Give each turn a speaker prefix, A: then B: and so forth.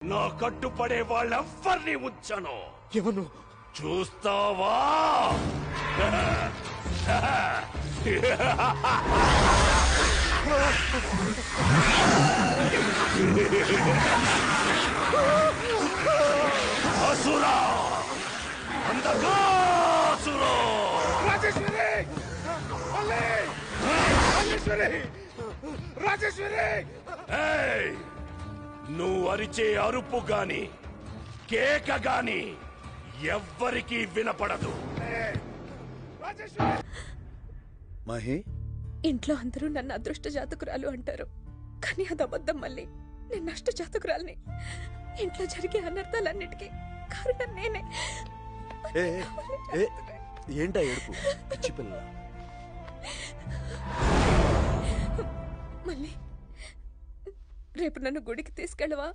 A: నా కట్టుపడే వాళ్ళెవ్వరిని ఉంచను.
B: ఎవరు?
A: చూస్తావా? అసురా, అంధకాసురా!
B: రాజేశ్వరి! రాజేశ్వరి! రాజేశ్వరి!
A: ఏయ్! నువ్వు అరిచే అరుపు గాని కేక గాని ఎవ్వరికీ వినపడదు.
C: మహి,
D: ఇంట్లో అందరూ నన్ను అదృష్ట జాతకురాలు అంటారు, కానీ అది అబద్ధం. మళ్ళీ నేను నష్ట జాతకురాల్ని. ఇంట్లో జరిగే అనర్థాలన్నిటికీ కారణం నేనే.
C: ఏంటా ఏడుపు? పిచ్చి పిల్ల.
D: మళ్ళీ రేపు నన్ను గుడికి తీసుకెళ్ళవా?